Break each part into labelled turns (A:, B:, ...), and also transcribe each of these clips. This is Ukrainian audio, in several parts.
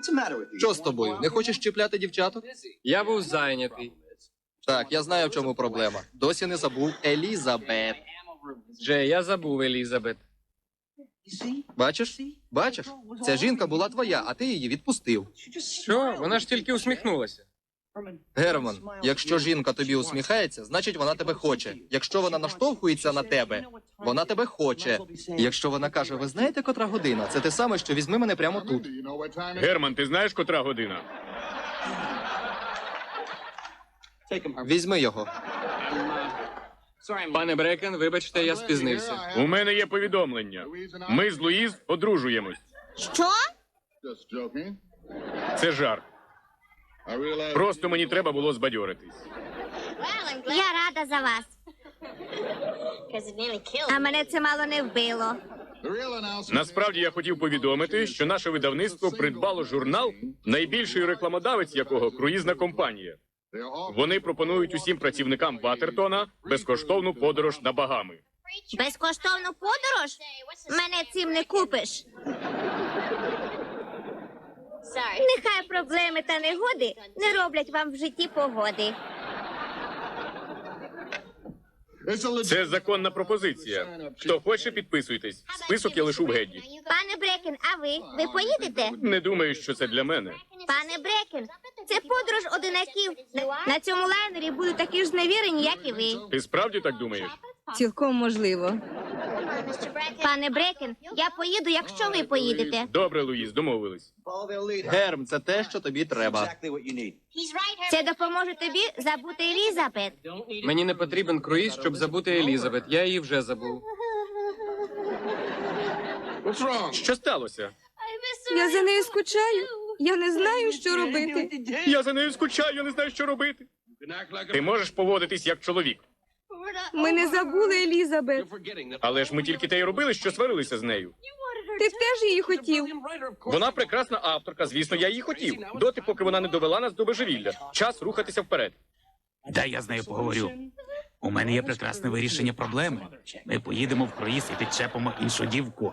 A: Що з тобою? Не хочеш чіпляти дівчаток?
B: Я був зайнятий.
A: Так, я знаю, в чому проблема. Досі не забув Елізабет.
B: Джей, я забув Елізабет.
A: Бачиш? Бачиш? Ця жінка була твоя, а ти її відпустив.
B: Що? Вона ж тільки усміхнулася.
A: Герман, якщо жінка тобі усміхається, значить вона тебе хоче. Якщо вона наштовхується на тебе, вона тебе хоче. І якщо вона каже, ви знаєте, котра година? Це те саме, що візьми мене прямо тут.
C: Герман, ти знаєш, котра година?
A: Візьми його.
B: Пане Брекен, вибачте, я спізнився.
C: У мене є повідомлення. Ми з Луїз одружуємось.
D: Що?
C: Це жарт. Просто мені треба було збадьоритись.
D: Я рада за вас. А мене це мало не вбило.
C: Насправді я хотів повідомити, що наше видавництво придбало журнал, найбільший рекламодавець якого круїзна компанія. Вони пропонують усім працівникам Ватертона безкоштовну подорож на Багами.
D: Безкоштовну подорож? Мене цим не купиш. Нехай проблеми та негоди не роблять вам в житті погоди.
C: Це законна пропозиція. Хто хоче, підписуйтесь. Список я лишу в Гедді.
D: Пане Брекен, а ви поїдете?
C: Не думаю, що це для мене.
D: Пане Брекен, це подорож одинаків. На цьому лайнері будуть такі ж зневірені, як і ви.
C: Ти справді так думаєш?
E: Цілком можливо.
D: Пане Брекен, я поїду, якщо ви поїдете.
C: Добре, Луїз, домовились.
A: Герм, це те, що тобі треба.
D: Це допоможе тобі забути Елізабет.
B: Мені не потрібен круїз, щоб забути Елізабет. Я її вже забув.
C: Що сталося?
E: Я за нею скучаю. Я не знаю, що робити.
C: Я за нею скучаю, я не знаю, що робити. Ти можеш поводитись як чоловік.
E: Ми не забули Елізабет.
C: Але ж ми тільки те й робили, що сварилися з нею.
E: Ти б теж її хотів.
C: Вона прекрасна авторка, звісно, я її хотів. Доти, поки вона не довела нас до божевілля. Час рухатися вперед.
F: Дай я з нею поговорю. У мене є прекрасне вирішення проблеми. Ми поїдемо в круїз і підчепимо іншу дівку.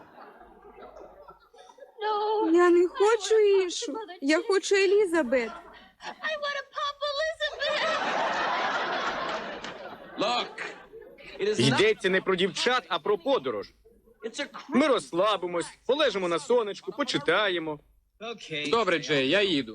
E: Я не хочу іншу. Я хочу Елізабет.
C: Йдеться не про дівчат, а про подорож. Ми розслабимось, полежимо на сонечку, почитаємо.
B: Добре, Джей, я їду.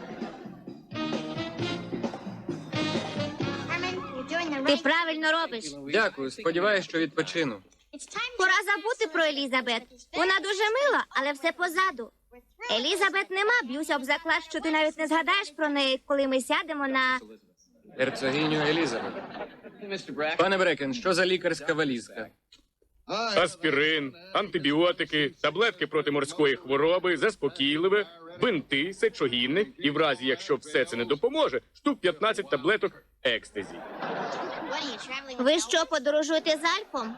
D: Ти правильно робиш.
B: Дякую, сподіваюсь, що відпочину.
D: Пора забути про Елізабет. Вона дуже мила, але все позаду. Елізабет нема, б'юся об заклад, що ти навіть не згадаєш про неї, коли ми сядемо на...
B: Герцогиню Елізабет. Пане Брекен, що за лікарська валізка?
C: Аспірин, антибіотики, таблетки проти морської хвороби, заспокійливе, бинти, сечогінник і в разі, якщо все це не допоможе, штук 15 таблеток екстазі.
D: Ви що, подорожуєте з Альпом?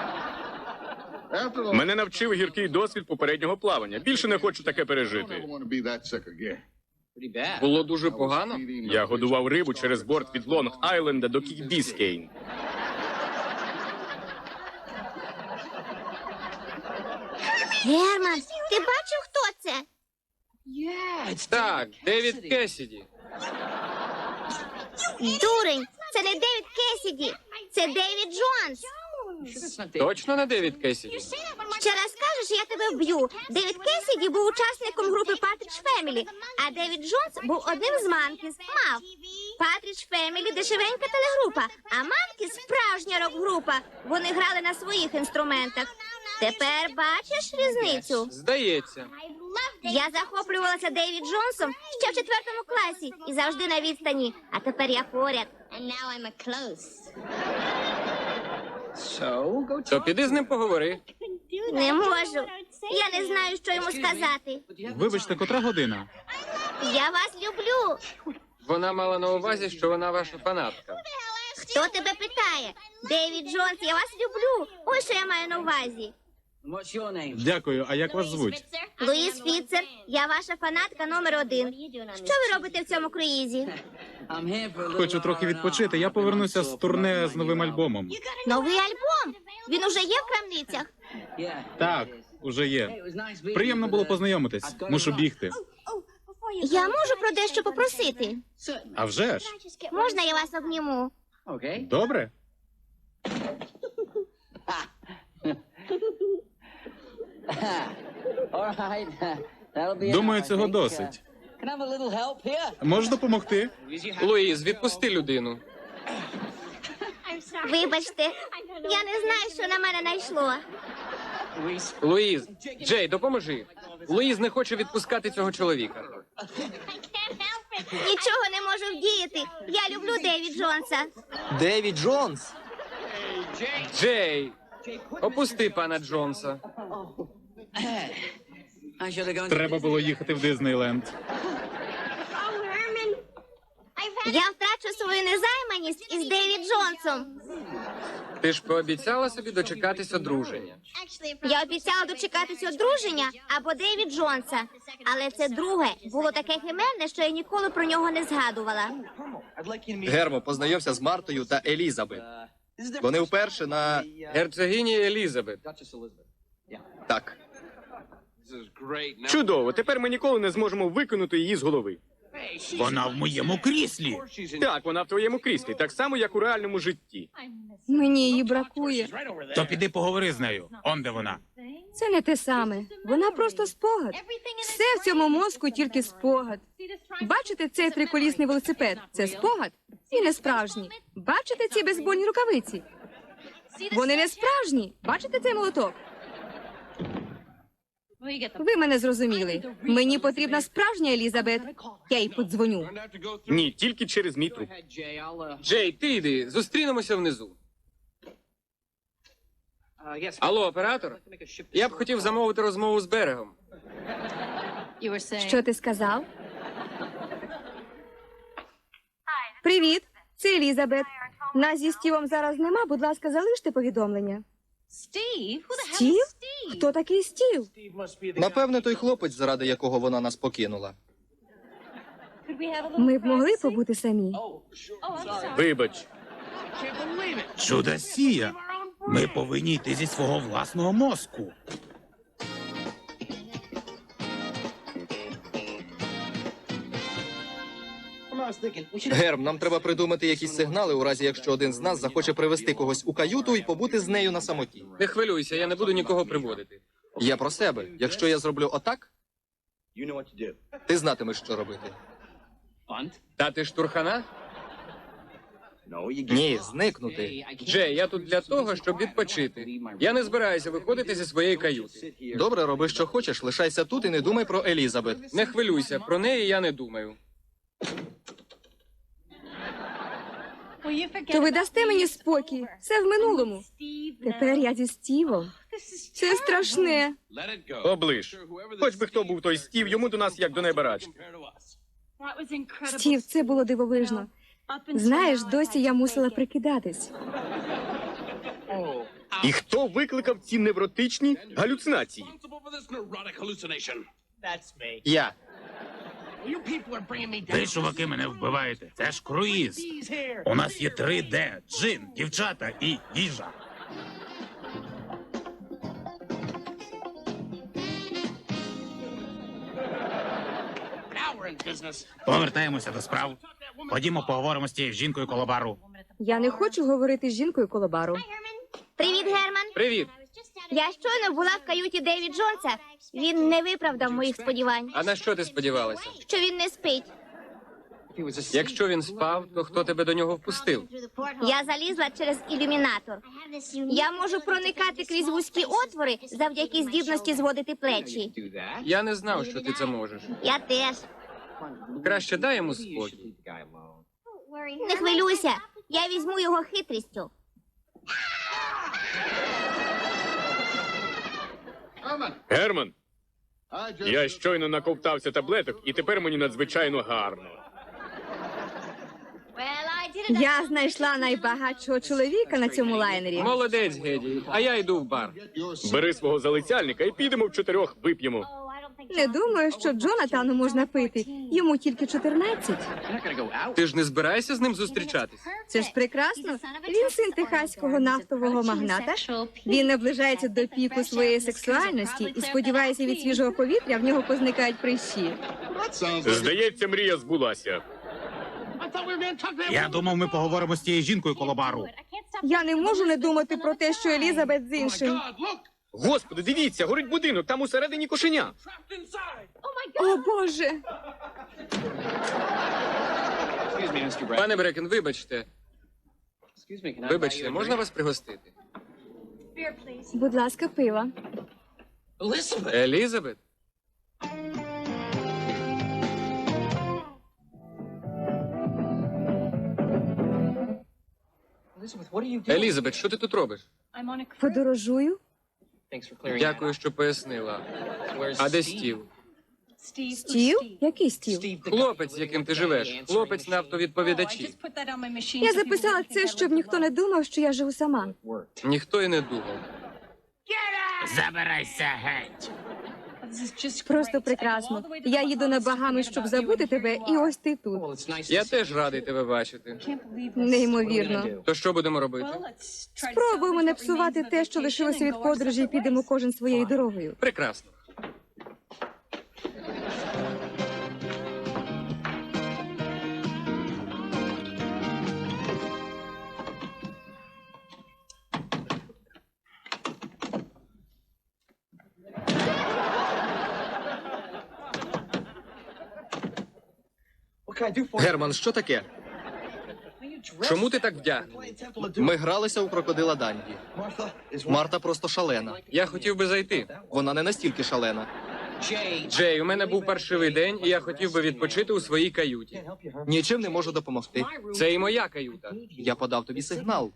C: Мене навчив гіркий досвід попереднього плавання. Більше не хочу таке пережити.
B: Було дуже погано?
C: Я годував рибу через борт від Лонг-Айленда до Кік-Біскейн.
D: Герман, ти бачив, хто це?
B: Так, Девід Кесіді.
D: Дурень, це не Девід Кесіді, це Девід Джонс.
B: Точно не Девід Кесіді?
D: Ще раз скажеш, я тебе вб'ю. Девід Кесіді був учасником групи Патрідж Фемілі, а Девід Джонс був одним з Манкіс, Мав. Патрідж Фемілі – дешевенька телегрупа, а Манкіс – справжня рок-група. Вони грали на своїх інструментах. Тепер бачиш різницю?
B: Здається.
D: Я захоплювалася Девід Джонсом ще в 4 класі і завжди на відстані. А тепер я поряд.
B: То піди з ним поговори.
D: Не можу. Я не знаю, що йому сказати.
G: Вибачте, котра година?
D: Я вас люблю.
B: Вона мала на увазі, що вона ваша фанатка.
D: Хто тебе питає? Девід Джонс, я вас люблю. Ось що я маю на увазі.
G: Дякую, а як вас звуть?
D: Луїс Фіцер, я ваша фанатка номер 1. Що ви робите в цьому круїзі?
G: Хочу трохи відпочити. Я повернуся з турне з новим альбомом.
D: Новий альбом? Він уже є в крамницях?
G: Так, уже є. Приємно було познайомитись. Мушу бігти.
D: Я можу про дещо попросити?
G: А вже ж.
D: Можна я вас обніму?
G: Добре. Думаю, цього досить. Можеш допомогти?
B: Луїз, відпусти людину.
D: Вибачте, я не знаю, що на мене найшло.
B: Луїз, Джей, допоможи. Луїз не хоче відпускати цього чоловіка.
D: Нічого не можу вдіяти. Я люблю Девід Джонса.
A: Девід Джонс!
B: Джей, опусти пана Джонса.
G: Треба було їхати в Диснейленд.
D: Я втрачу свою незайманість із Девід Джонсом.
B: Ти ж пообіцяла собі дочекатись одруження.
D: Я обіцяла дочекатись одруження або Девід Джонса. Але це друге було таке химерне, що я ніколи про нього не згадувала.
A: Гермо, познайомся з Мартою та Елізабет. Вони вперше на...
B: Герцогині Елізабет.
A: Так.
C: Чудово, тепер ми ніколи не зможемо викинути її з голови.
F: Вона в моєму кріслі.
C: Так, вона в твоєму кріслі, так само, як у реальному житті.
E: Мені її бракує.
F: То піди поговори з нею. Он де вона.
E: Це не те саме. Вона просто спогад. Все в цьому мозку тільки спогад. Бачите цей триколісний велосипед? Це спогад і не справжній. Бачите ці бейсбольні рукавиці? Вони не справжні. Бачите цей молоток? Ви мене зрозуміли. Мені потрібна справжня Елізабет. Я їй подзвоню.
C: Ні, тільки через мій труп.
B: Джей, ти йди, зустрінемося внизу. Алло, оператор? Я б хотів замовити розмову з берегом.
E: Що ти сказав? Привіт, це Елізабет. Нас зі Стівом зараз нема, будь ласка, залиште повідомлення. Стів? Хто такий Стів?
A: Напевне, той хлопець, заради якого вона нас покинула.
E: Ми б могли побути самі.
C: Вибач.
F: Чудосія. Ми повинні йти зі свого власного мозку.
A: Герм, нам треба придумати якісь сигнали, у разі якщо один з нас захоче привезти когось у каюту і побути з нею на самоті.
B: Не хвилюйся, я не буду нікого приводити.
A: Я про себе. Якщо я зроблю отак, ти знатимеш, що робити.
B: Дати штурхана?
A: Ні, зникнути.
B: Джей, я тут для того, щоб відпочити. Я не збираюся виходити зі своєї каюти.
A: Добре, роби, що хочеш, лишайся тут і не думай про Елізабет.
B: Не хвилюйся, про неї я не думаю.
E: То ви дасте мені спокій. Все в минулому. Тепер я зі Стівом. Це страшне.
C: Оближ. Хоч би хто був той Стів, йому до нас як до неба рач.
E: Стів, це було дивовижно. Знаєш, досі я мусила прикидатись.
C: І хто викликав ці невротичні галюцинації?
A: Я.
F: Ви, чуваки, мене вбиваєте. Це ж круїз. У нас є 3D, джин, дівчата і їжа. Повертаємося до справ. Ходімо, поговоримо з тією жінкою коло бару.
E: Я не хочу говорити з жінкою коло бару.
D: Привіт, Герман.
B: Привіт.
D: Я щойно була в каюті Девід Джонса. Він не виправдав моїх сподівань.
B: А на що ти сподівалася?
D: Що він не спить.
B: Якщо він спав, то хто тебе до нього впустив?
D: Я залізла через ілюмінатор. Я можу проникати крізь вузькі отвори завдяки здібності зводити плечі.
B: Я не знав, що ти це можеш.
D: Я теж.
B: Краще дай йому спокій.
D: Не хвилюйся. Я візьму його хитрістю.
C: Герман, я щойно наковтався таблеток, і тепер мені надзвичайно гарно.
E: Я знайшла найбагатшого чоловіка на цьому лайнері.
B: Молодець, Геді. А я йду в бар.
C: Бери свого залицяльника і підемо в 4 вип'ємо.
E: Не думаю, що Джонатану можна пити. Йому тільки 14.
B: Ти ж не збираєшся з ним зустрічатись?
E: Це ж прекрасно. Він син техаського нафтового магната. Він наближається до піку своєї сексуальності і сподівається, від свіжого повітря в нього позникають прищі.
C: Здається, мрія збулася.
F: Я думав, ми поговоримо з тією жінкою коло бару.
E: Я не можу не думати про те, що Елізабет з іншим.
C: Господи, дивіться, горить будинок, там усередині кошеня.
E: О, Боже!
B: Пане Брекен, вибачте. Вибачте, можна вас пригостити?
E: Будь ласка, пива.
B: Елізабет? Елізабет, що ти тут робиш?
E: Подорожую.
B: Дякую, що пояснила. А де Стів?
E: Стів? Який стів?
B: Хлопець, з яким ти живеш. Хлопець на автовідповідачі.
E: Я записала це, щоб ніхто не думав, що я живу сама.
B: Ніхто й не думав.
F: Забирайся геть.
E: Просто прекрасно. Я їду на Багами, щоб забути тебе, і ось ти тут.
B: Я теж радий тебе бачити.
E: Неймовірно.
B: То що будемо робити?
E: Спробуємо не псувати те, що лишилося від подорожі, і підемо кожен своєю дорогою.
B: Прекрасно.
A: Герман, що таке?
B: Чому ти так вдягнений?
A: Ми гралися у крокодила Данді. Марта просто шалена.
B: Я хотів би зайти.
A: Вона не настільки шалена.
B: Джей, у мене був паршивий день, і я хотів би відпочити у своїй каюті.
A: Нічим не можу допомогти.
B: Це і моя каюта.
A: Я подав тобі сигнал.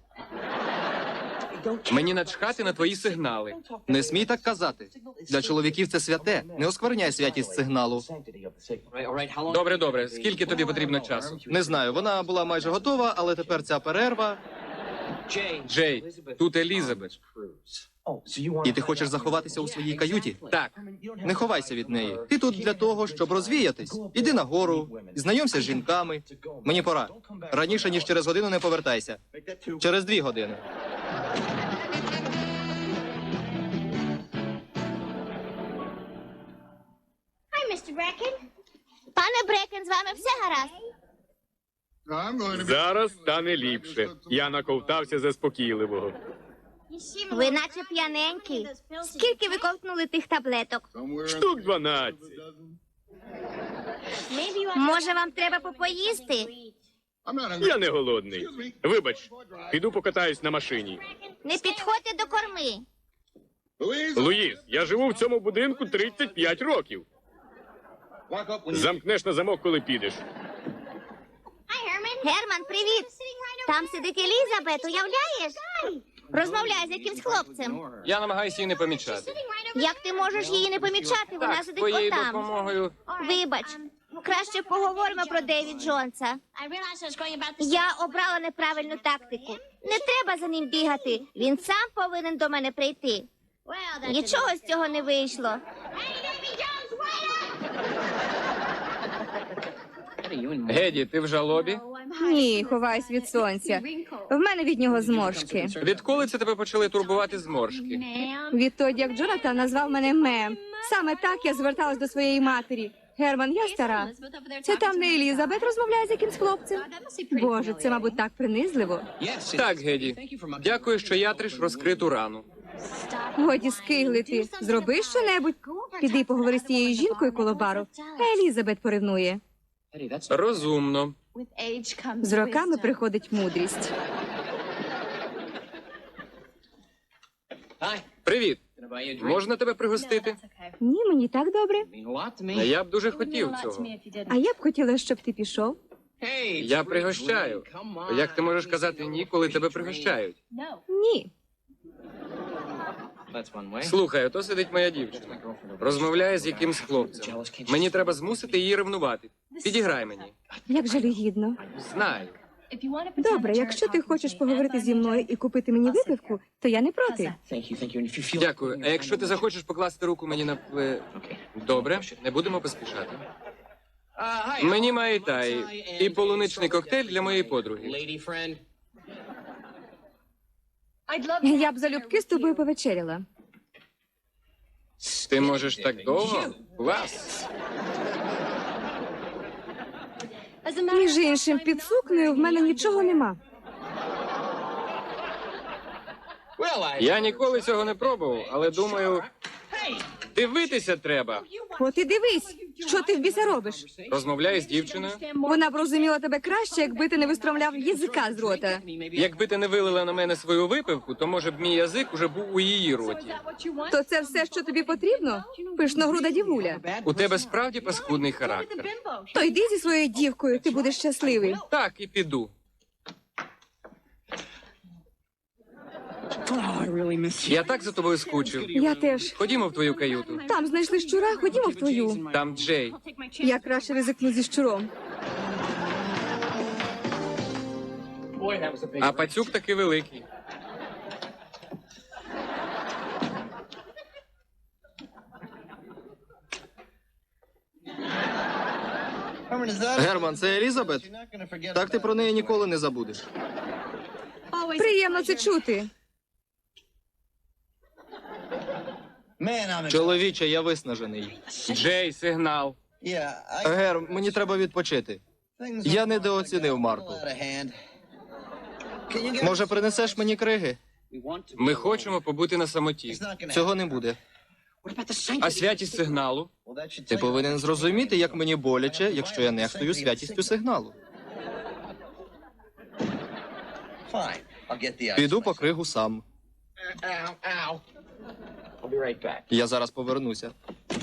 B: Мені начхати на твої сигнали.
A: Не смій так казати. Для чоловіків це святе. Не оскверняй святість сигналу.
B: Добре, добре. Скільки тобі потрібно часу?
A: Не знаю, вона була майже готова, але тепер ця перерва.
B: Джей, тут Елізабет.
A: І ти хочеш заховатися у своїй каюті?
B: Так,
A: Не ховайся від неї. Ти тут для того, щоб розвіятись. Іди нагору, знайомся з жінками. Мені пора. Раніше, ніж через годину не повертайся. Через 2 години.
D: Пане Брекен, з вами все гаразд?
C: Зараз стане ліпше. Я наковтався заспокійливого.
D: Ви наче п'яненькі. Скільки ви ковтнули тих таблеток?
C: Штук 12.
D: Може, вам треба попоїсти?
C: Я не голодний. Вибач, піду покатаюсь на машині.
D: Не підходьте до корми.
C: Луїс, я живу в цьому будинку 35 років. Замкнеш на замок, коли підеш.
D: Герман, привіт. Там сидить Елізабет, уявляєш? Розмовляє з якимсь хлопцем.
B: я намагаюся її не помічати.
D: Як ти можеш її не помічати? Вона
B: Так, з
D: сидить
B: твоєю
D: отам.
B: допомогою.
D: Вибач, краще поговоримо про Девід Джонса. Я обрала неправильну тактику. Не треба за ним бігати. Він сам повинен до мене прийти. Нічого з цього не вийшло.
B: Геді, ти в жалобі?
E: Ні, ховаюсь від сонця. В мене від нього зморшки.
B: Відколи це тебе почали турбувати зморшки?
E: Відтоді, як Джонатан назвав мене Мем. Саме так я зверталась до своєї матері. Герман, я стара. Це там не Елізабет розмовляє з якимсь хлопцем. Боже, це, мабуть, так принизливо.
B: Так, Геді. Дякую, що ятриш розкриту рану.
E: Годі скиглити. Зроби щонебудь. Піди поговори з тією жінкою коло бару. А Елізабет поревнує.
B: Розумно.
E: З роками приходить мудрість.
B: Привіт. Можна тебе пригостити?
E: Ні, мені так добре.
B: Я б дуже хотів цього.
E: А я б хотіла, щоб ти пішов.
B: Я пригощаю. Як ти можеш казати ні, коли тебе пригощають?
E: Ні.
B: Слухай, ото сидить моя дівчина. Розмовляє з якимсь хлопцем. Мені треба змусити її ревнувати. Підіграй мені.
E: Як жалюгідно.
B: Знаю.
E: Добре, якщо ти хочеш поговорити зі мною і купити мені випивку, то я не проти.
B: Дякую. А якщо ти захочеш покласти руку мені на Добре, не будемо поспішати. Мені майтай і полуничний коктейль для моєї подруги.
E: Я б залюбки з тобою повечеряла.
B: Ти можеш так довго? Клас.
E: Між іншим, під сукнею в мене нічого нема.
B: Я ніколи цього не пробував, але думаю, дивитися треба.
E: От і дивись, що ти в біса робиш.
B: Розмовляю з дівчиною.
E: Вона б розуміла тебе краще, якби ти не вистромляв язика з рота.
B: Якби ти не вилила на мене свою випивку, то може б мій язик уже був у її роті.
E: То це все, що тобі потрібно? Пишногруда дівуля.
B: У тебе справді паскудний характер.
E: То йди зі своєю дівкою, ти будеш щасливий.
B: Так, і піду. Я так за тобою скучив.
E: Я теж.
B: Ходімо в твою каюту.
E: Там знайшли щура, ходімо в твою.
B: Там Джей.
E: Я краще ризикну зі щуром.
B: А пацюк таки великий.
A: Герман, це Елізабет? Так ти про неї ніколи не забудеш.
E: Приємно це чути.
A: Чоловіче, я виснажений.
B: Джей, сигнал.
A: Гер, мені треба відпочити. Я недооцінив Марту. Може, принесеш мені криги?
B: Ми хочемо побути на самоті.
A: Цього не буде.
B: А святість сигналу?
A: Ти повинен зрозуміти, як мені боляче, якщо я нехтую святістю сигналу. Піду по кригу сам. Я зараз повернуся.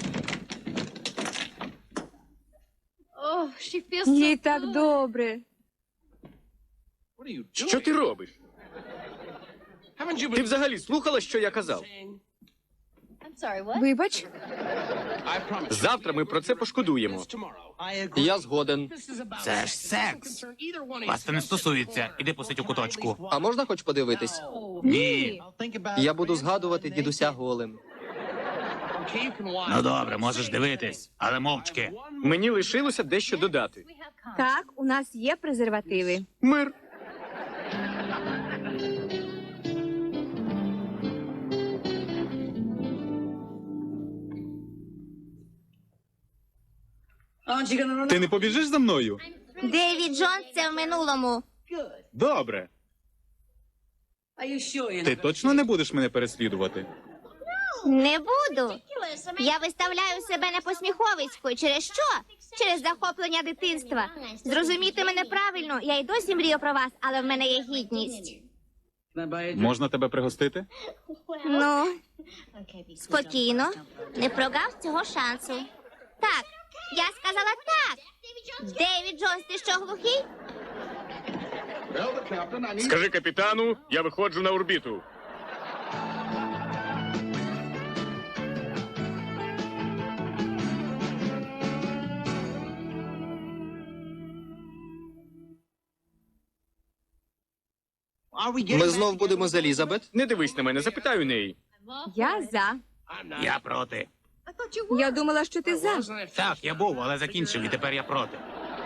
E: Їй так добре.
C: Що ти робиш? Ти взагалі слухала, що я казав?
E: Вибач,
C: Завтра ми про це пошкодуємо.
A: Я згоден.
F: Це ж секс. Вас це не стосується. Іди посидь у куточку.
A: А можна хоч подивитись?
F: Ні.
A: Я буду згадувати дідуся голим.
F: Ну добре, можеш дивитись, але мовчки.
C: Мені лишилося дещо додати.
E: так, у нас є презервативи.
C: Мир.
G: Ти не побіжиш за мною?
D: Девід Джонс – це в минулому.
G: Добре. Ти точно не будеш мене переслідувати?
D: Не буду. Я виставляю себе непосміховиською. Через що? Через захоплення дитинства. Зрозумійте мене правильно, я й досі мрію про вас, але в мене є гідність.
G: Можна тебе пригостити?
D: Ну, спокійно, не прогав цього шансу. Так, я сказала так. Девід Джонс, ти що, глухий?
C: Скажи капітану, я виходжу на орбіту.
A: Ми знов будемо з Елізабет?
C: Не дивись на мене, запитаю неї.
E: Я за.
F: Я проти.
E: Я думала, що ти за.
F: Так, я був, але закінчив, і тепер я проти.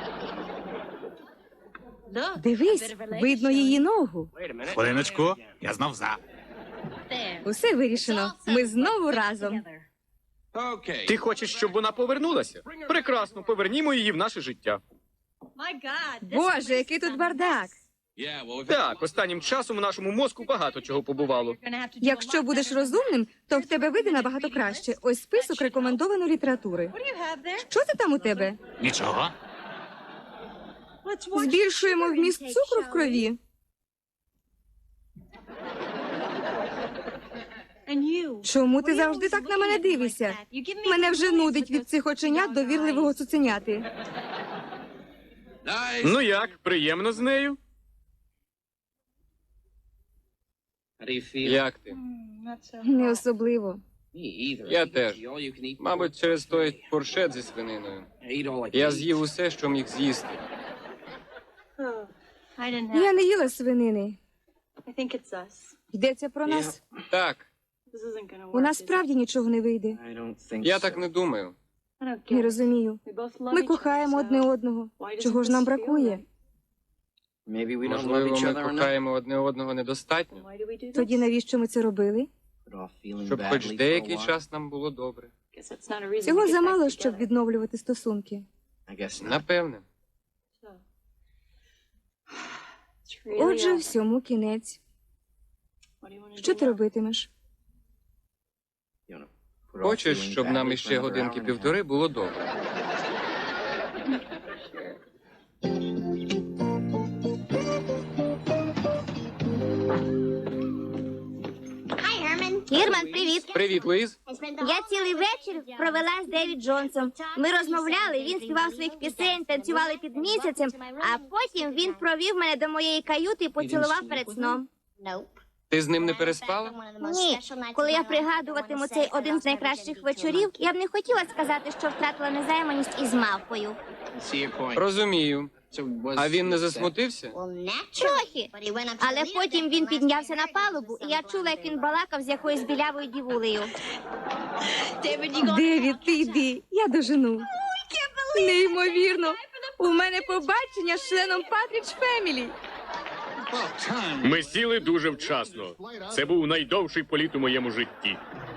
E: Дивись, видно її ногу.
F: Хвилиночку, я знов за.
E: Усе вирішено. Ми знову разом.
C: Ти хочеш, щоб вона повернулася? Прекрасно, повернімо її в наше життя.
E: Боже, який тут бардак.
C: Так, останнім часом у нашому мозку багато чого побувало.
E: Якщо будеш розумним, то в тебе вийде набагато краще. Ось список рекомендованої літератури. Що це там у тебе?
F: Нічого.
E: Збільшуємо вміст цукру в крові. Чому ти завжди так на мене дивишся? Мене вже нудить від цих оченят довірливого цуценяти.
C: Ну як, приємно з нею?
B: Як ти?
E: Не особливо.
B: Я теж. Мабуть, через той фуршет зі свининою. Я з'їв усе, що міг з'їсти.
E: Я не їла свинини. Йдеться про нас.
B: Так,
E: У нас справді нічого не вийде.
B: я так не думаю.
E: Не розумію. Ми кохаємо одне одного. Чого ж нам бракує?
B: Можливо, ми кохаємо одне одного недостатньо,
E: Тоді навіщо ми це робили?
B: щоб хоч деякий час нам було добре.
E: Цього замало, щоб відновлювати стосунки.
B: Напевне.
E: Отже, всьому кінець. Що ти робитимеш?
B: Хочеш, щоб нам іще годинки-півтори було добре?
D: Гірман, привіт.
B: Привіт, Луїз.
D: Я цілий вечір провела з Девід Джонсом. Ми розмовляли, він співав своїх пісень, танцювали під місяцем, а потім він провів мене до моєї каюти і поцілував перед сном.
B: Ти з ним не переспала?
D: Ні, коли я пригадуватиму цей один з найкращих вечорів, я б не хотіла сказати, що втратила незайманість із мавпою.
B: Розумію. А він не засмутився?
D: Трохи. Але потім він піднявся на палубу, і я чула, як він балакав з якоюсь білявою дівулею.
E: Девід, ти йди, я дожену. Неймовірно. У мене побачення з членом Патрідж Фемілі.
C: Ми сіли дуже вчасно. Це був найдовший політ у моєму житті.